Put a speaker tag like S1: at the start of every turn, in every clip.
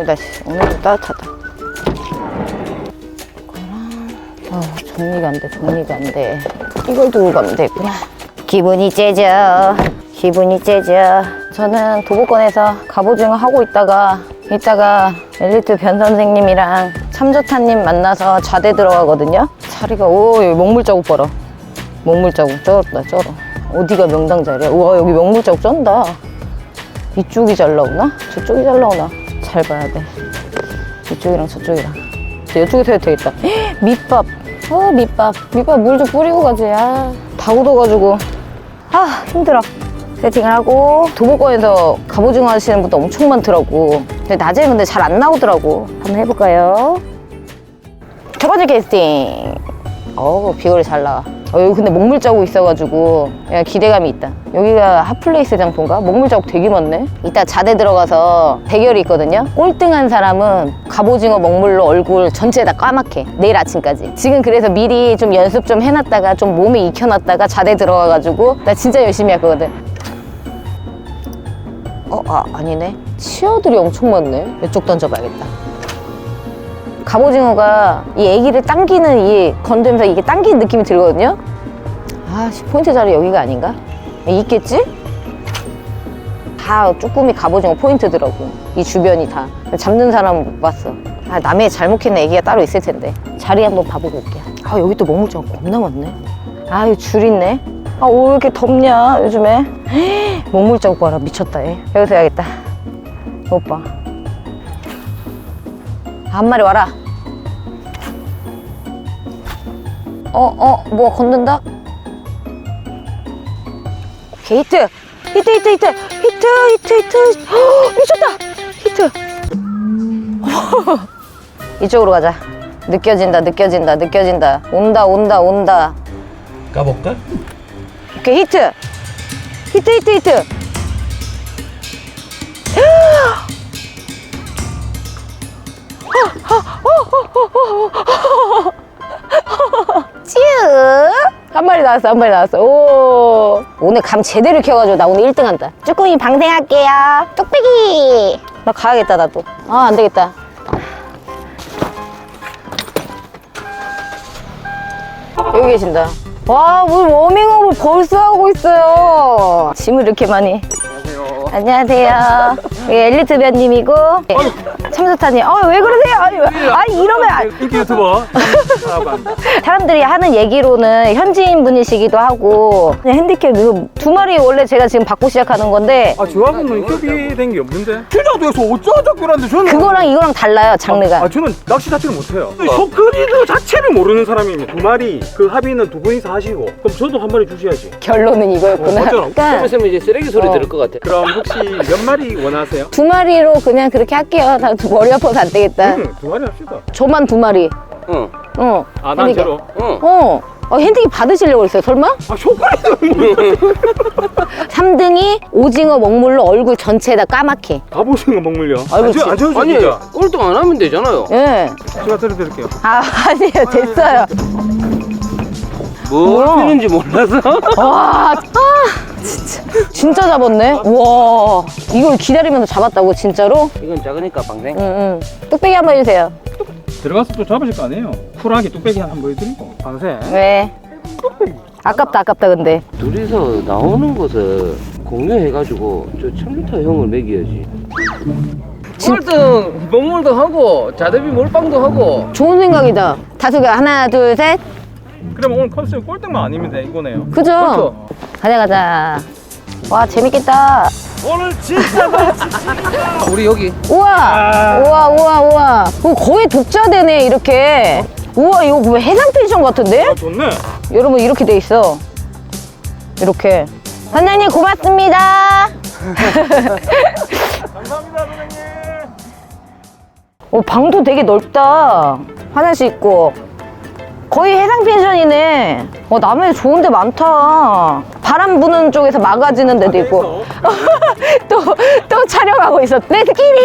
S1: 따뜻하다. 오늘도 따뜻하다. 정리가 안 돼. 정리가 안 돼. 이걸 두고 가면 되구나. 기분이 째져. 기분이 째져. 저는 도보권에서 갑오징어 하고 이따가 엘리트 변 선생님이랑 참조타님 만나서 좌대 들어가거든요. 자리가 여기 먹물 자국 봐라. 먹물 자국 쩔었다 쩔어. 어디가 명당 자리야? 우와 여기 먹물 자국 쩐다. 이쪽이 잘 나오나? 저쪽이 잘 나오나? 잘 봐야 돼. 이쪽이랑 저쪽이랑. 이쪽에서 해도 되겠다. 밑밥. 밑밥 물 좀 뿌리고 가지. 다 굳어가지고 힘들어. 세팅을 하고 도보권에서 갑오징어 하시는 분도 엄청 많더라고. 근데 낮에 근데 잘 안 나오더라고. 한번 해볼까요? 첫 번째 캐스팅. 비거리 잘 나와. 여기 근데 먹물 자국 있어가지고 기대감이 있다. 여기가 핫플레이스 장소인가? 먹물 자국 되게 많네. 이따 자대 들어가서 대결이 있거든요. 꼴등한 사람은 갑오징어 먹물로 얼굴 전체 다 까맣게 내일 아침까지. 지금 그래서 미리 좀 연습 좀 해놨다가 좀 몸에 익혀놨다가 자대 들어가가지고 나 진짜 열심히 할 거거든. 아니네. 치어들이 엄청 많네. 이쪽 던져봐야겠다. 갑오징어가 이 애기를 당기는 이 건드면서 이게 당기는 느낌이 들거든요. 포인트 자리 여기가 아닌가? 있겠지? 다 쭈꾸미 갑오징어 포인트더라고. 이 주변이 다. 잡는 사람은 못 봤어. 남의 잘못했네. 애기가 따로 있을 텐데. 자리 한번 봐보고 올게요. 여기 또 먹물장 겁나 많네. 여기 줄 있네. 왜 이렇게 덥냐 요즘에. 먹물 자국 봐라. 미쳤다 얘. 여기서 해야겠다. 오빠 한 마리 와라. 뭐가 건든다? 오케이 히트. 미쳤다. 히트. 이쪽으로 가자. 느껴진다. 온다.
S2: 까볼까?
S1: 오케이 히트. 쭈! 한 마리 나왔어. 오! 오늘 감 제대로 켜가지고 나 오늘 1등 한다. 쭈꾸미 방생할게요. 뚝배기! 나 가야겠다, 나도. 안 되겠다. 여기 계신다. 와, 오늘 워밍업을 벌써 하고 있어요. 짐을 이렇게 많이. 안녕하세요. 엘리트 변님이고 참조타님. 왜 그러세요? 이러면
S2: 인기 유튜버.
S1: 사람들이 하는 얘기로는 현지인 분이시기도 하고 핸디캡 두 마리 원래 제가 지금 받고 시작하는 건데
S2: 조합은 협의된 게 없는데. 필요도에서 어쩌자고 그러는데 저는
S1: 그거랑 이거랑 달라요 장르가.
S2: 저는 낚시 자체를 못해요. 쇼크리드 자체를 모르는 사람이 두 마리 그 합의는 두 분이서 하시고 그럼 저도 한 마리 주셔야지.
S1: 결론은 이거였구나.
S2: 맞잖아.
S3: 그러면 이제 쓰레기 소리 들을 것 같아.
S2: 그럼 혹시 몇 마리 원하세요?
S1: 두 마리로 그냥 그렇게 할게요. 다 머리 아파서 안 되겠다.
S2: 두 마리 합시다.
S1: 저만 두 마리.
S2: 난 제로.
S1: 핸디캡 받으시려고 그랬어요 설마?
S2: 쇼크리드
S1: 3등이 오징어 먹물로 얼굴 전체에다 까맣게.
S2: 갑오징어 먹물요.
S1: 아이고,
S2: 안 줘도
S3: 아니
S2: 진짜.
S3: 꼴등 안 하면 되잖아요.
S1: 예.
S2: 제가 들어드릴게요.
S1: 아니에요 됐어요.
S3: 뭘
S1: 뭐야?
S3: 피는지 몰라서.
S1: 와, 진짜 잡았네. 와, 이걸 기다리면서 잡았다고 진짜로?
S3: 이건 작으니까 방생.
S1: 응. 뚝배기 한번 해주세요.
S2: 들어가서 또 잡으실 거 아니에요? 쿨하게 뚝배기 한번 보여드리고 방생.
S1: 왜? 아깝다 근데.
S3: 둘이서 나오는 것을 공유해가지고 저 참조타 형을 먹여야지. 꼴등 먹물도 하고 자대비 몰빵도 하고.
S1: 좋은 생각이다. 다수가 하나 둘 셋.
S2: 그럼 오늘 컨셉 꼴등만 아니면 돼 이거네요.
S1: 그죠? 가자. 와 재밌겠다.
S2: 오늘 진짜
S3: 우리 여기
S1: 우와. 거의 독자되네 이렇게. 우와 이거 뭐 해상 펜션 같은데?
S2: 좋네.
S1: 여러분 이렇게 돼 있어. 이렇게. 선장님 고맙습니다.
S2: 감사합니다 선생님.
S1: 방도 되게 넓다. 화장실 있고. 거의 해상 펜션이네. 남해 좋은 데 많다. 바람 부는 쪽에서 막아지는 데도 있고. 또 촬영하고 있어. 렛츠기릿!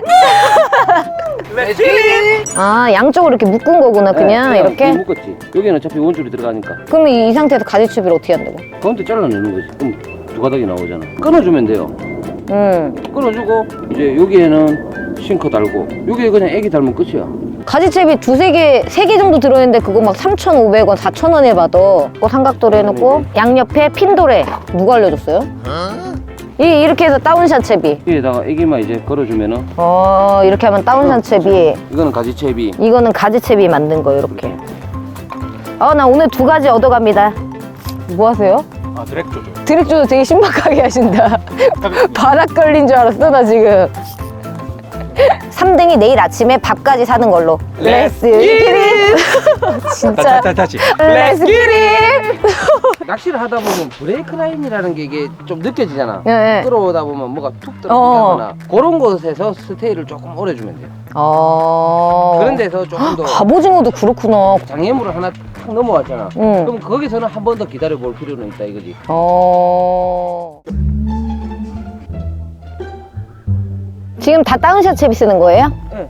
S1: 양쪽으로 이렇게 묶은 거구나 그냥 이렇게?
S3: 묶었지. 여기는 어차피 원줄이 들어가니까.
S1: 그럼 이 상태에서 가지추비를 어떻게 한다고?
S3: 가운데 잘라내는 거지. 그럼 두 가닥이 나오잖아. 끊어주면 돼요. 끊어주고 이제 여기에는 싱크 달고 요게 그냥 애기 닮은 끝이야.
S1: 가지채비 두세 개, 세 개 정도 들어있는데 그거 막 3,500원, 4,000원에 봐도 그거 삼각도로 해놓고 양옆에 핀도레 누가 알려줬어요? 이렇게 해서 다운샷 채비.
S3: 여기에다가 애기만 이제 걸어주면은
S1: 이렇게 하면 다운샷 채비.
S3: 이거는 가지채비.
S1: 이거는 가지채비 만든 거 이렇게. 나 오늘 두 가지 얻어갑니다. 뭐 하세요?
S2: 아 드랙 조절.
S1: 드랙 조절 되게 신박하게 하신다. 바닥 걸린 줄 알았어 나 지금. 3등이 내일 아침에 밥까지 사는 걸로. 렛츠 기릿. 진짜.
S2: 다시.
S1: 렛츠 기릿.
S3: 낚시를 하다 보면 브레이크 라인이라는 게 이게 좀 느껴지잖아.
S1: 네.
S3: 끌어오다 보면 뭐가 툭 들어가거나 그런 곳에서 스테이를 조금 오래 주면 돼요. 그런 데서 조금 더
S1: 갑오징어도 그렇구나.
S3: 장애물을 하나 탁 넘어왔잖아.
S1: 응.
S3: 그럼 거기서는 한 번 더 기다려 볼 필요는 있다 이거지.
S1: 지금 다 다운샷 채비 쓰는 거예요?
S3: 네.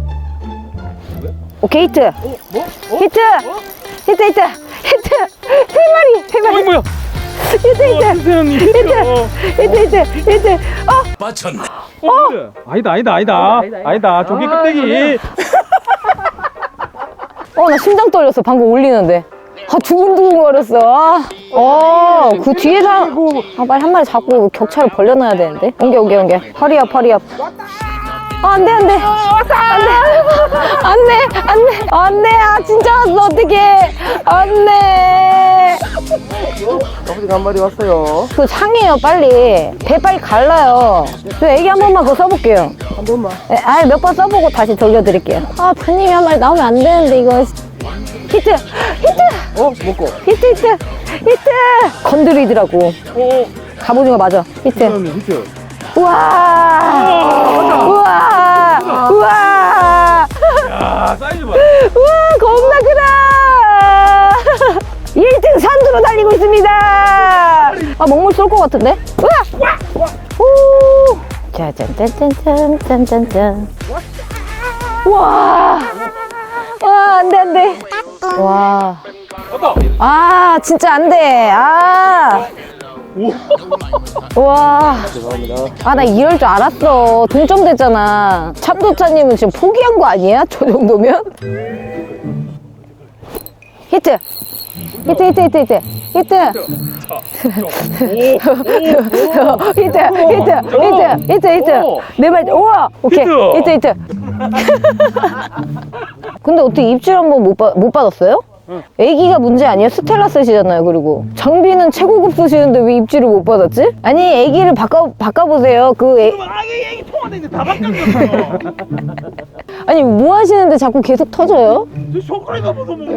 S1: 오케이 히트.
S3: 뭐?
S1: 히트. 히트. 세 마리.
S2: 뭐야?
S1: 히트.
S2: 세상님.
S1: 히트.
S4: 맞췄네.
S2: 아니다. 조개 껍데기.
S1: 나 심장 떨렸어. 방금 올리는데. 두근두근 거렸어. 그 뒤에서 빨리 한 마리 잡고 격차를 벌려놔야 되는데. 옮겨. 허리업. 안 돼. 진짜 왔어. 어떡해. 안 돼.
S3: 갑오징어 한 마리 왔어요.
S1: 그 상해요, 빨리. 배 빨리 갈라요. 저 애기 한 번만 그거 써볼게요.
S3: 한 번만.
S1: 몇 번 써보고 다시 돌려드릴게요. 부님이 한 마리 나오면 안 되는데, 이거. 히트!
S3: 먹고.
S1: 히트! 건드리더라고. 갑오징어 맞아. 히트. 우와!
S2: 야 사이즈 봐.
S1: 우와, 겁나 크다! 1등 산두로 달리고 있습니다! 먹물 쏠 것 같은데? 우와! 오! 짜잔. 우와! 안 돼. 와. 진짜 안 돼. 와.
S3: 죄송합니다.
S1: 나 이럴 줄 알았어. 동점 됐잖아. 참도차님은 지금 포기한 거 아니야? 저 정도면? 히트. 네 말. 우와. 오케이. 히트. 근데 어떻게 입질 한번 못 받았어요? 애기가 문제 아니에요? 스텔라 쓰시잖아요. 그리고 장비는 최고급 쓰시는데 왜 입질을 못 받았지? 아니 애기를 바꿔보세요.
S2: 애기 통화되는데 다 바뀌었어.
S1: 아니 뭐 하시는데 자꾸 계속 터져요?
S2: 저 손가락이 아파서 뭐.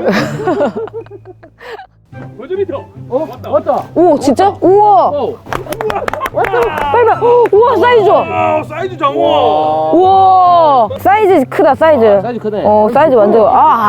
S2: 먼저 밑으로.
S3: 왔다.
S1: 오 진짜? 우와. 빨리. 우와 사이즈 좋아.
S2: 사이즈 장어.
S1: 우와 사이즈 크다 사이즈.
S3: 사이즈 크네.
S1: 사이즈 완전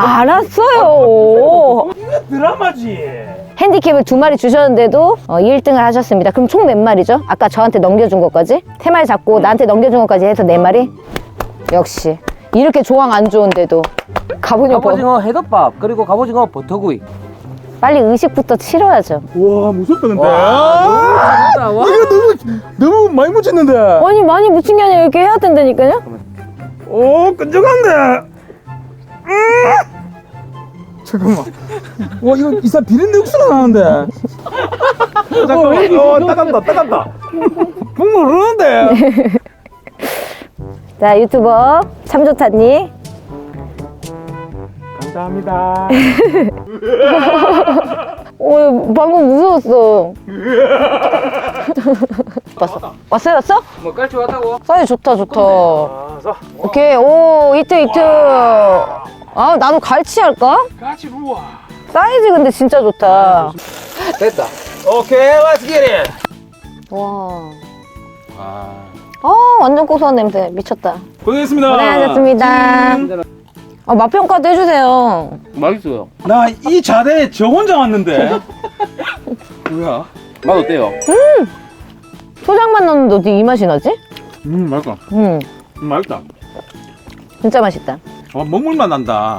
S1: 알았어요.
S2: 이거 드라마지.
S1: 핸디캡을 2마리 주셨는데도 1등을 하셨습니다. 그럼 총 몇 마리죠? 아까 저한테 넘겨준 것까지? 3마리 잡고 나한테 넘겨준 것까지 해서 4마리? 역시 이렇게 조항 안 좋은데도
S3: 갑오징어 해덮밥 그리고 갑오징어 버터구이.
S1: 빨리 의식부터 치러야죠.
S2: 와 무섭다 근데.
S3: 잘한다. 와.
S2: 이거 너무 많이 묻혔는데.
S1: 아니 많이 묻힌 게 아니라 이렇게 해야 된다니까요?
S2: 오 끈적한데. 잠깐만. 와 이거 이상 비린내 육수가 나는데. 잠깐만. 따간다. 국물 흐르는데.
S1: 자 유튜버 참조타님
S2: 감사합니다.
S1: 방금 무서웠어. 왔어?
S3: 뭐 깔치 왔다고?
S1: 사이즈 좋다.
S2: 자,
S1: 오케이 히트. 나도 갈치 할까?
S2: 같이 루아.
S1: 사이즈 근데 진짜 좋다.
S3: 됐다.
S2: 오케이, let's get it.
S1: 와. 완전 고소한 냄새 미쳤다.
S2: 고생했습니다.
S1: 고생하셨습니다. 맛평가도 해주세요.
S3: 맛있어요.
S2: 나 이 자대에 저 혼자 왔는데.
S3: 뭐야? 맛 어때요?
S1: 초장만 넣었는데 어떻게 이 맛이 나지?
S2: 맛있다. 맛있다.
S1: 진짜 맛있다.
S2: 먹물만 난다.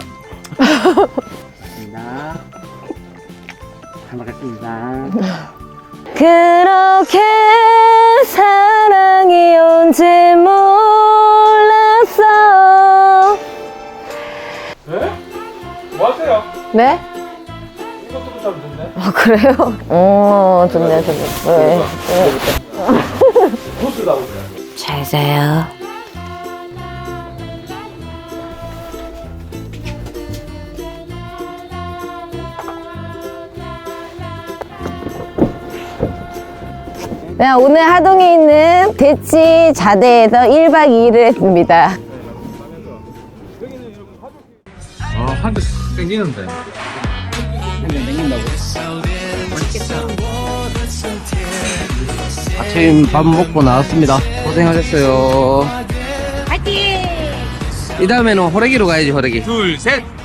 S3: 잘 먹겠습니다.
S1: 그렇게 사랑이 온지 몰랐어. 네?
S2: 이것도 잘 듣네.
S1: 아, 그래요? 좋네, 좋네. 네.
S2: 부스다 보자.
S1: 잘 자요. 네, 오늘 하동에 있는 대치 자대에서 1박 2일을 했습니다.
S2: 한 대 땡기는데.
S3: 아침 밥 먹고 나왔습니다. 고생하셨어요. 파이팅! 이 다음에는 호래기로 가야지, 호래기.
S2: 둘, 셋.